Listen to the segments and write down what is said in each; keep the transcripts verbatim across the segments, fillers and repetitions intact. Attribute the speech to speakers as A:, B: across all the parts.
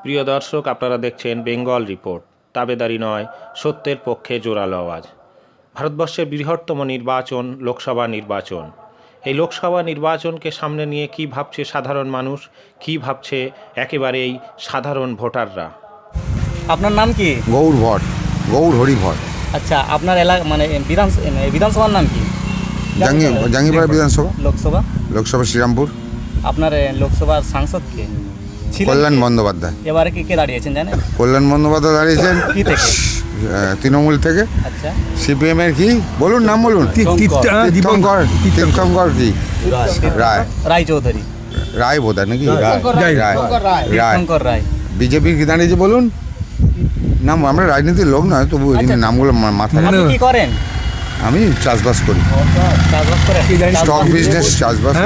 A: প্রিয় দর্শক, আপনারা দেখছেন বেঙ্গল রিপোর্ট। তাবেদারি নয়, সত্যের পক্ষে জোরালো আওয়াজ। ভারতবর্ষের বৃহত্তম নির্বাচন লোকসভা নির্বাচন। এই লোকসভা নির্বাচনকে সামনে নিয়ে কি ভাবছে সাধারণ মানুষ, কি ভাবছে একেবারেই সাধারণ ভোটাররা।
B: আপনার নাম কি?
C: গৌর ভট, গৌর হরি ভট।
B: আচ্ছা, আপনার এলাকা মানে বিধান বিধানসভার নাম কি?
C: জাঙ্গি জাঙ্গিপাড়া বিধানসভা,
B: লোকসভা
C: লোকসভা শ্রীরামপুর।
B: আপনার এ, লোকসভার সাংসদ কে ছিলেন?
C: কল্যাণ বন্দ্যোপাধ্যায়।
B: এবারে কি কে দাঁড়িয়েছেন জানেন?
C: কল্যাণ বন্দ্যোপাধ্যায় দাঁড়িয়েছেন
B: কি থেকে?
C: আহ, তৃণমূল থেকে।
B: আচ্ছা,
C: সিপিএম এর কি বলুন, নাম বলুন। তীর্থঙ্কর, তীর্থঙ্কর কি রায়,
B: রায় চৌধুরী,
C: রায় বোধ হয় নাকি রায়, রায় রায়
B: শঙ্কর রায়।
C: বিজেপির কি দাঁড়িয়েছে বলুন নাম। আমরা রাজনীতির লোক নয়, তবু ওই জন্য নামগুলো মা- মাথায়
B: আপনি
C: রাখি।
B: কি করেন?
C: আমি চাষবাস করি,
B: চাষবাস করেন?
C: স্টক বিজনেস, চাষবাস।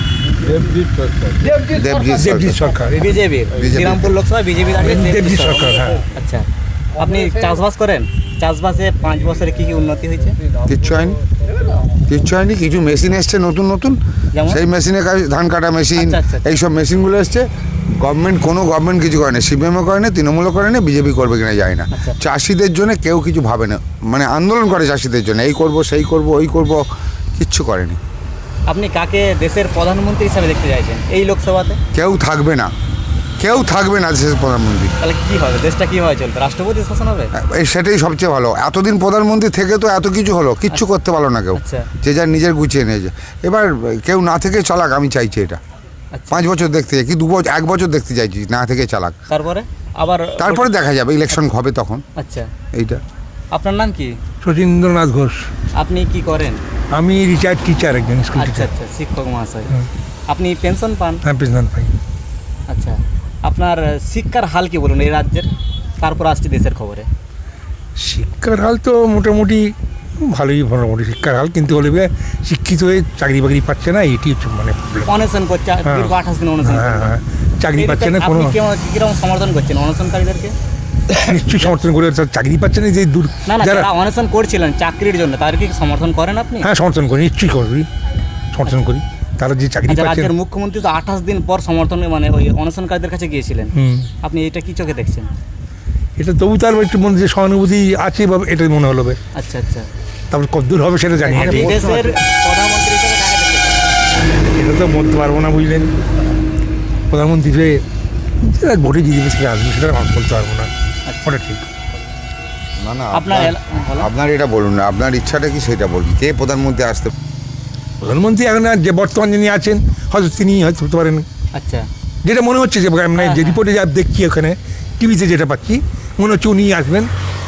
C: দেবজিৎ সরকার।
B: বিজেপি শ্রীরামপুর লোকসভা বিজেপি দাঁড়িয়ে
D: দেবজিৎ সরকার, হ্যাঁ।
B: আচ্ছা, আপনি চাষবাস করেন? চাষবাসে পাঁচ বছরে কি কি উন্নতি হয়েছে?
C: কিচ্ছু হয়নি, কিচ্ছু হয়নি। কিছু মেশিন এসছে নতুন নতুন,
B: যেমন?
C: সেই মেশিনে কাজ, ধান কাটা মেশিন,
B: আচ্ছা, আচ্ছা, আচ্ছা।
C: এইসব মেশিনগুলো এসছে। গভর্নমেন্ট, কোনো গভর্নমেন্ট কিছু করে না, সিপিএমও করে না, তৃণমূলও করে না, বিজেপি করবে কিনা যায় না।
B: আচ্ছা।
C: চাষিদের জন্য কেউ কিছু ভাবে না, মানে আন্দোলন করে চাষিদের জন্য, এই করব সেই করব ওই করব, কিচ্ছু করেনি।
B: আপনি কাকে দেশের প্রধানমন্ত্রী হিসাবে দেখতে চাইছেন এই লোকসভাতে?
C: কেউ থাকবে না, কেউ থাকবে না দেশের প্রধানমন্ত্রী।
B: তাহলে কি হবে? দেশটা কিভাবে চলবে? রাষ্ট্রপতি শাসন হবে?
C: এই সেটাই সবচেয়ে ভালো। এতদিন প্রধানমন্ত্রী থেকে তো এত কিছু হলো, কিচ্ছু করতে পারলো না কেউ।
B: আচ্ছা।
C: যে যার নিজের গুছিয়ে নিয়েছে। এবার কেউ না থেকে চালাক, আমি চাইছি এটা।
B: আচ্ছা।
C: পাঁচ বছর দেখতে চাই কি দু বছর, এক বছর দেখতে চাইছি না থেকে চালাক।
B: তারপরে আবার
C: তারপরে দেখা যাবে, ইলেকশন হবে তখন।
B: আচ্ছা,
C: এইটা।
B: আপনার নাম কি?
D: শচীন্দ্রনাথ ঘোষ।
B: আপনি কি করেন?
D: আমি রিটায়ার্ড টিচার, একজন স্কুল
B: আচ্ছা
D: টিচার।
B: আচ্ছা, শিক্ষক মহাশয়। আপনি পেনশন পান?
D: হ্যাঁ, পেনশন পাই।
B: আচ্ছা, আপনার শিক্ষার হাল কি বলুন এই রাজ্যের? তারপর আসছে দেশের খবরে।
D: শিক্ষার হাল তো মোটামুটি ভালোই, মোটামুটি শিক্ষার হাল, কিন্তু হলে বে শিক্ষিত হয়ে চাকরি বাকরি পাচ্ছে না, এটি হচ্ছে মানে প্রবলেম।
B: অনশন করছে,
D: হ্যাঁ।
B: দীর্ঘ আঠাশ দিন অনশন
D: হ্যাঁ
B: করছে।
D: হ্যাঁ, চাকরি
B: এই
D: পাচ্ছে না
B: ব্যাপারে
D: কোনো।
B: আপনি কেমন- কিরকম সমর্থন করছেন অনশনকারীদেরকে?
D: নিশ্চয়ই সমর্থন করে, তারা চাকরি পাচ্ছে না, যে দূর
B: না না,
D: যারা।
B: যারা অনশন করছিলেন চাকরির জন্য তাদেরকে কি সমর্থন করেন আপনি?
D: হ্যাঁ, সমর্থন করি, নিশ্চয়ই করি, সমর্থন করি। তারা যে চাকরি
B: আচ্ছা,
D: পাচ্ছে
B: রাজ্যের
D: না।
B: মুখ্যমন্ত্রী তো আঠাশ দিন পর সমর্থন মানে ওই অনশনকারীদের কাছে গিয়েছিলেন।
D: হুম,
B: আপনি এটা কি চোখে দেখছেন?
D: এটা তবু তার একটু মনে যে সহানুভূতি আছে, বা এটা মনে হলো বে।
B: আচ্ছা আচ্ছা,
D: তারপর কতদূর হবে সেটা জানি না।
B: এই দেশের প্রধানমন্ত্রী হিসেবে কাকে দেখতে চান?
D: এটা তো বলতে পারবো না, বুঝলেন। প্রধানমন্ত্রী যে যারা ভোটে জিতবে সেটা আসবে, সেটা আমি বলতে পারবো না। ওটা ঠিক।
C: না না,
B: আপনার
C: আপনার
B: এলা- বলো।
C: আপনার এটা বলুন না, আপনার ইচ্ছাটা কি সেটা বলুন। কে প্রধানমন্ত্রী আসতে?
D: প্রধানমন্ত্রী এখন আর যে বর্তমান যিনি আছেন, হয়তো তিনি হয়তো হতে পারেন।
B: আচ্ছা,
D: যেটা মনে হচ্ছে যে মানে
B: হ্যাঁ,
D: যে
B: হ্যাঁ।
D: রিপোর্টে যা দেখছি ওখানে, টিভিতে যেটা পাচ্ছি, মনে হচ্ছে উনি আসবেন।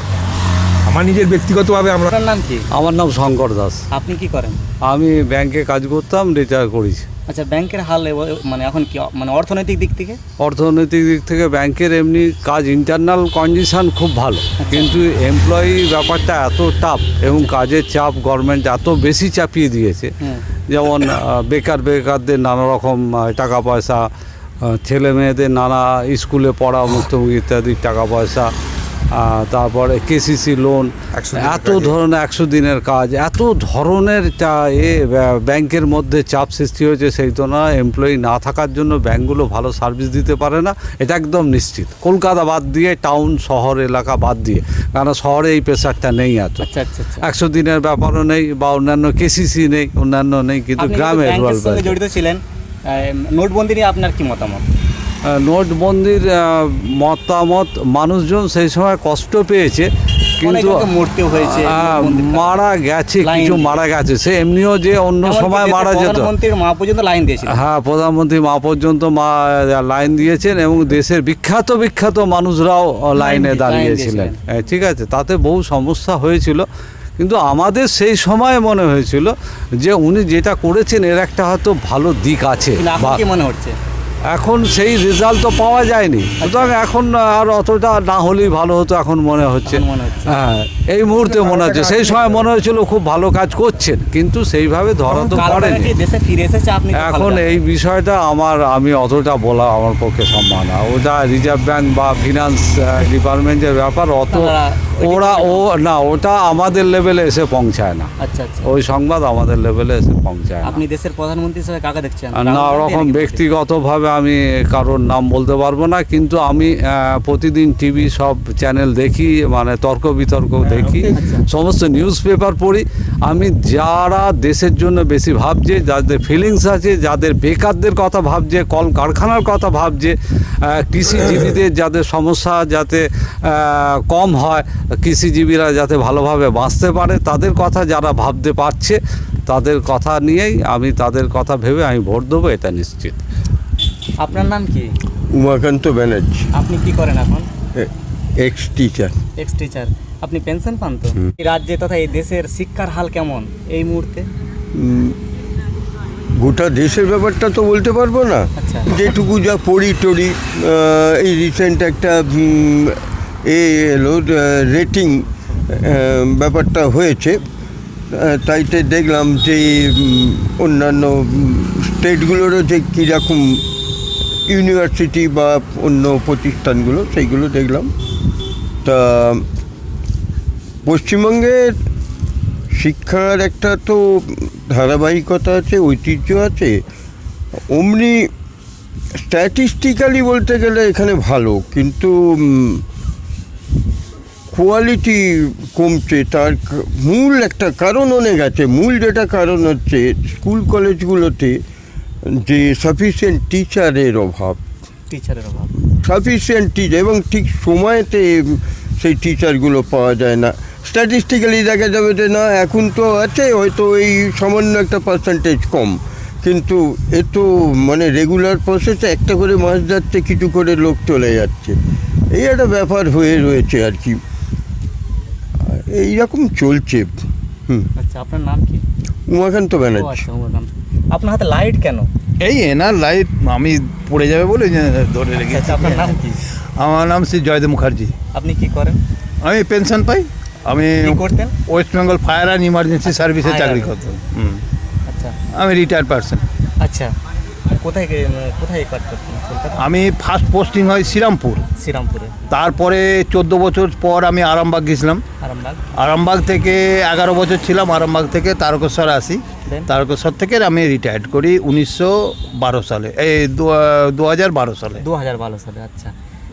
D: আমার নিজের ব্যক্তিগতভাবে আমরা।
B: আপনার নাম কি?
E: আমার নাম শঙ্কর দাস।
B: আপনি কি করেন?
E: আমি ব্যাংকে কাজ করতাম, রিটায়ার করেছি।
B: আচ্ছা, ব্যাংকের হাল এব- মানে এখন কি মানে অর্থনৈতিক দিক থেকে?
E: অর্থনৈতিক দিক থেকে ব্যাংকের এমনি কাজ, ইন্টারনাল কন্ডিশন খুব ভালো, কিন্তু এমপ্লয়ি ব্যাপারটা এত টাফ এবং কাজের চাপ গভর্নমেন্ট এত বেশি চাপিয়ে দিয়েছে।
B: হুম।
E: যেমন আহ, বেকার বেকারদের নানা রকম আহ, টাকা পয়সা, আহ, ছেলে মেয়েদের নানা স্কুলে পড়া, মুক্তমুখী ইত্যাদি টাকা পয়সা, আহ, তারপরে কেসিসি লোন,
C: একশো দিনের
E: এত
C: কাজে।
E: ধরনের একশো দিনের কাজ, এত ধরনের চা- এ ব্যা- ব্যাংকের মধ্যে চাপ সৃষ্টি হয়েছে। সেই তো না, এমপ্লয়ি না থাকার জন্য ব্যাংকগুলো ভালো সার্ভিস দিতে পারে না, এটা একদম নিশ্চিত। কলকাতা বাদ দিয়ে, টাউন শহর এলাকা বাদ দিয়ে, কারণ শহরে এই প্রেশারটা নেই এত।
B: আচ্ছা আচ্ছা আচ্ছা,
E: একশো দিনের ব্যাপারও নেই, বা অন্যান্য কেসিসি নেই, অন্যান্য নেই, কিন্তু
B: আপনি
E: গ্রামে
B: কিন্তু
E: রুরাল
B: ব্যাংকের সঙ্গে জড়িত ছিলেন। আহ, নোটবন্দি নিয়ে আপনার কি মতামত?
E: নোটবন্দির আহ, মতামত, মানুষজন সেই সময় কষ্ট পেয়েছে,
B: অনেক
E: কিন্তু
B: লোকে মরতেও হয়েছে
E: আহ,
B: নোটবন্দির কারণে।
E: মারা গেছে,
B: লাইন
E: কিছু
B: দিয়ে।
E: মারা গেছে। সে এমনিও যে অন্য
B: এমনকি
E: সময়
B: দেশের
E: মারা যেত।
B: প্রধানমন্ত্রীর মা পর্যন্ত লাইন দিয়েছিলেন।
E: হ্যাঁ, প্রধানমন্ত্রী মা পর্যন্ত মা লাইন দিয়েছেন, এবং দেশের বিখ্যাত বিখ্যাত মানুষরাও লাইনে
B: লাইন
E: দাঁড়িয়েছিলেন।
B: দিয়েছিলেন।
E: হ্যাঁ, ঠিক আছে, তাতে বহু সমস্যা হয়েছিল, কিন্তু আমাদের সেই সময় মনে হয়েছিল যে উনি যেটা করেছেন এর একটা হয়তো ভালো দিক আছে।
B: কিন্তু এখন
E: বা
B: কি মনে হচ্ছে?
E: এখন সেই রেজাল্ট তো পাওয়া যায়নি, সুতরাং এখন আর অতটা না হলেই ভালো হতো এখন মনে হচ্ছে।
B: এখন মনে হচ্ছে।
E: হ্যাঁ, এই মুহূর্তে মনে হচ্ছে। সেই সময় মনে হয়েছিল খুব ভালো কাজ করছেন, কিন্তু সেইভাবে ধরা তো
B: কারণ
E: পড়েনি।
B: কি দেশে ফিরে এসেছে আপনি তো ভালো
E: এখন
B: জানেন।
E: এই বিষয়টা আমার আমি অতটা বলা আমার পক্ষে সম্ভব না। ওটা রিজার্ভ ব্যাংক বা ফিনান্স ডিপার্টমেন্টের ব্যাপার, অত
B: আপনারা
E: ওরা ও না, ওটা আমাদের লেভেলে এসে পৌঁছায় না,
B: আচ্ছা আচ্ছা।
E: ওই সংবাদ আমাদের লেভেলে এসে পৌঁছায় না।
B: আপনি দেশের প্রধানমন্ত্রী হিসেবে কাকে দেখছেন?
E: আর না, ওরকম ব্যক্তিগতভাবে আমি কারোর নাম বলতে পারবো না, কিন্তু আমি আহ, প্রতিদিন টিভি সব চ্যানেল দেখি, মানে তর্ক বিতর্ক দেখি, সমস্ত নিউজ পেপার পড়ি। আমি যারা দেশের জন্য বেশি ভাবছে, যাদের ফিলিংস আছে, যাদের বেকারদের কথা ভাবছে, কল কারখানার কথা ভাবছে, আহ, কৃষিজীবীদের যাদের সমস্যা যাতে আহ, কম হয়, কৃষিজীবীরা যাতে ভালোভাবে বাঁচতে পারে, তাদের কথা যারা ভাবতে পারছে, তাদের কথা নিয়েই আমি তাদের কথা ভেবে আমি ভোট দেবো, এটা নিশ্চিত।
B: আপনার নাম কি?
F: উমাকান্ত ব্যানার্জি,
B: আপনি কি করেন এখন?
F: Ex teacher.
B: Ex teacher. আপনি পেনশন পান তো? এই রাজ্যে তথা এই দেশের শিক্ষার হাল কেমন এই মুহূর্তে?
F: গোটা দেশের ব্যাপারটা তো বলতে পারবো না,
B: আচ্ছা।
F: যেটুকু যা পড়ি টড়ি, আহ, এই রিসেন্ট একটা উম, এ এলো রেটিং ব্যাপারটা হয়েছে, আহ, তাইতে দেখলাম যে উম, অন্যান্য স্টেটগুলোরও যে কীরকম ইউনিভার্সিটি বা অন্য প্রতিষ্ঠানগুলো সেইগুলো দেখলাম। তা পশ্চিমবঙ্গের শিক্ষার একটা তো ধারাবাহিকতা আছে, ঐতিহ্য আছে, অমনি স্ট্যাটিস্টিক্যালি বলতে গেলে এখানে ভালো, কিন্তু কোয়ালিটি কমছে। তার ক- মূল একটা কারণ অনেক আছে। মূল যেটা কারণ হচ্ছে স্কুল কলেজগুলোতে যে সাফিসিয়েন্ট টিচারের অভাব,
B: টিচারের অভাব।
F: সাফিসিয়েন্ট টিচার, এবং ঠিক সময়তে সেই টিচারগুলো পাওয়া যায় না। স্ট্যাটিস্টিক্যালি দেখা যাবে যে না, এখন তো আছে হয়তো এই সামান্য একটা পার্সেন্টেজ কম, কিন্তু এ তো মানে রেগুলার প্রসেসে একটা করে মাস যাচ্ছে, কিছু করে লোক চলে যাচ্ছে, এই একটা ব্যাপার হয়ে রয়েছে আর কি। এইরকম চলছে। হুম।
B: আচ্ছা, আপনার নাম কি?
F: উমাকান্ত
B: ও
F: ব্যানার্জি।
B: আচ্ছা, আমার নাম। আপনার হাতে লাইট কেন?
G: এই এনার লাইট আমি পড়ে যাবে বলে যে ধরে রেখেছি।
B: আচ্ছা, আপনার নাম কি?
G: আমার নাম শ্রী জয়দেব মুখার্জি।
B: আপনি কি করেন?
G: আমি পেনশন পাই। আমি
B: কি করতেন?
G: West Bengal fire and emergency সার্ভিসে
B: Fire
G: চাকরি
B: and-
G: করতাম। হুম।
B: আচ্ছা
G: আমি রিটায়ার্ড পারসন।
B: আচ্ছা। কোথায় গে- কোথায় কাজ করতেন? কলকাতা?
G: আমি ফার্স্ট পোস্টিং হয় শ্রীরামপুর,
B: শ্রীরামপুরে।
G: তারপরে চোদ্দো বছর পর আমি আরামবাগ গেছিলাম।
B: আরামবাগ।
G: আরামবাগ থেকে এগারো বছর ছিলাম, আরামবাগ থেকে তারকেশ্বর আসি।
B: Then?
G: তারকেশ্বর থেকে আমি রিটায়ার্ড করি উনিশশো বারো সালে, এই দু হাজার বারো সালে।
B: দু হাজার বারো সালে। আচ্ছা।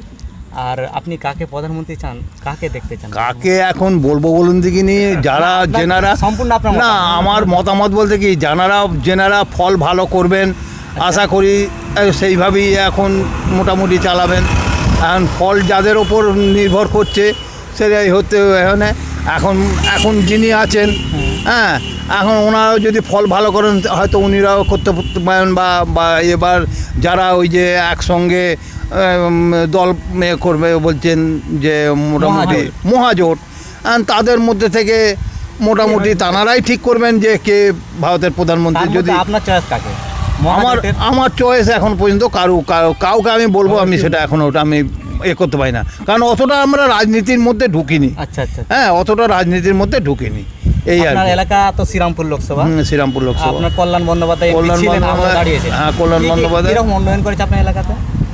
B: আর আপনি কাকে প্রধানমন্ত্রী চান? কাকে দেখতে চান?
G: কাকে এখন বলবো বলুন দেখিনি। যারা
B: আপনার-
G: জেনারা
B: সম্পূর্ণ আপনার
G: না,
B: মতামত।
G: আমার মতামত বলতে কি, যারা জেনারা ফল ভালো করবেন আশা করি আহ, সেইভাবেই এখন মোটামুটি চালাবেন। এখন ফল যাদের ওপর নির্ভর করছে সেটাই হতে এখানে এখন এখন যিনি আছেন, হ্যাঁ, এখন ওনারাও যদি ফল ভালো করেন হয়তো উনিরাও করতে পারেন, বা বা এবার যারা ওই যে একসঙ্গে উম, দল এ করবে বলছেন যে মোটামুটি
B: মহাজোট।
G: মহাজোট, and তাদের মধ্যে থেকে মোটামুটি তানারাই ঠিক করবেন যে কে ভারতের প্রধানমন্ত্রী।
B: তার
G: যদি
B: মধ্যে আপনার চয়েস কাকে?
G: আমার
B: মহাজোটের?
G: আমার চয়েস এখন পর্যন্ত কারু কারু- কাউকে আমি বলবো আমি সেটা এখন ওটা আমি এ করতে পারি না, কারণ অতটা আমরা রাজনীতির মধ্যে ঢুকিনি।
B: আচ্ছা আচ্ছা।
G: হ্যাঁ, অতটা রাজনীতির মধ্যে ঢুকিনি, এই আর
B: আপনার
G: কি।
B: এলাকা তো শ্রীরামপুর লোকসভা।
G: হুম, শ্রীরামপুর লোকসভা।
B: আপনার কল্যাণ বন্দ্যোপাধ্যায়
G: কল্যাণ
B: ছিলেন, আমরা
G: বন্দ্যোপাধ্যায়,
B: দাঁড়িয়েছেন।
G: হ্যাঁ, কল্যাণ
B: কি- কি-
G: বন্দ্যোপাধ্যায়।
B: কিরকম উন্নয়ন করেছে আপনার এলাকাতে?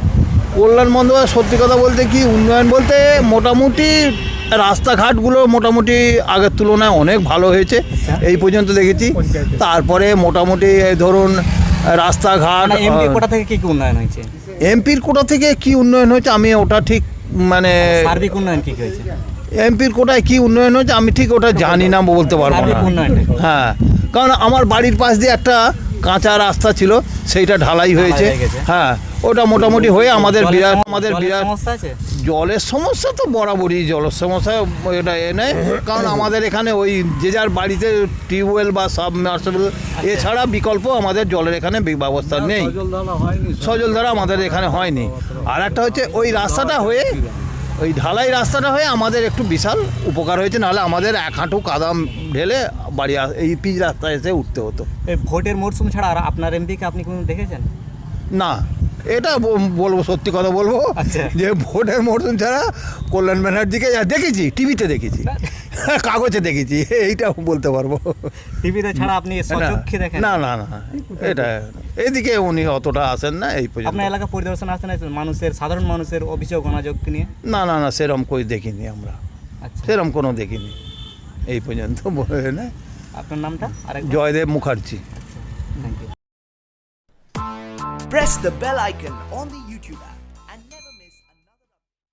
G: কল্যাণ বন্দ্যোপাধ্যায় সত্যি কথা বলতে কি উন্নয়ন বলতে মোটামুটি রাস্তাঘাটগুলো মোটামুটি আগের তুলনায় অনেক ভালো হয়েছে,
B: আচ্ছা।
G: এই পর্যন্ত দেখেছি। তারপরে মোটামুটি এই ধরুন রাস্তাঘাট,
B: মানে এমপি কোটা থেকে কি কি উন্নয়ন হয়েছে?
G: এমপির কোটা থেকে কি উন্নয়ন হয়েছে আমি ওটা ঠিক মানে
B: সার্বিক উন্নয়ন কি কি হয়েছে?
G: এমপির কোটায় কি উন্নয়ন হয়েছে আমি ঠিক ওটা জানি না, বলতে পারবো
B: সার্বিক
G: না।
B: উন্নয়নটা কি?
G: হ্যাঁ, কারণ আমার বাড়ির পাশ দিয়ে একটা কাঁচা রাস্তা ছিল, সেইটা ঢালাই হয়েছে।
B: হয়ে গেছে।
G: হ্যাঁ, ওটা মোটামুটি হয়ে আমাদের
B: জলের
G: বিরাট
B: সম-
G: আমাদের
B: জলের
G: বিরাট
B: সমস্যা আছে?
G: জলের সমস্যা তো বরাবরই, জলের সমস্যা এটা এ নেই, কারণ আমাদের এখানে ওই যে যার বাড়িতে টিউবওয়েল বা সাবমার্সিবল এছাড়া বিকল্প আমাদের জলের এখানে বি- ব্যবস্থা নেই, সজলধারা আমাদের এখানে হয়নি। আর একটা হচ্ছে ওই রাস্তাটা হয়ে, ওই ঢালাই রাস্তাটা হয়ে আমাদের একটু বিশাল উপকার হয়েছে, নাহলে আমাদের এক হাঁটু কাদাম ঢেলে বাড়ি আস- এই পিচ রাস্তায় এসে উঠতে হতো।
B: এই ভোটের মরশুম ছাড়া আর আপনার এমপিকে আপনি কোনো দেখেছেন?
G: না, এটা ব- বলবো, সত্যি কথা বলবো
B: আচ্ছা।
G: যে ভোটের মরশুম ছাড়া কল্যাণ ব্যানার্জিকে যা দেখেছি, টিভিতে দেখেছি, কাগজে দেখেছি, এইটা বলতে পারবো।
B: টিভিতে ছাড়া আপনি
G: না
B: সচক্ষে দেখেন?
G: না না না, এটা এদিকে উনি অতটা আসেন না এই পর্যন্ত।
B: আপনার এলাকা পরিদর্শন আসেন, মানুষের সাধারণ মানুষের অভিযোগ অনাযোগ নিয়ে?
G: না না না, সেরকম কই দেখিনি আমরা।
B: আচ্ছা।
G: সেরকম কোনো দেখিনি এই পর্যন্ত বলে না।
B: আপনার নামটা আরেক
G: Joydeb Mukherjee.
B: Thank you.
H: Press the bell icon on the YouTube app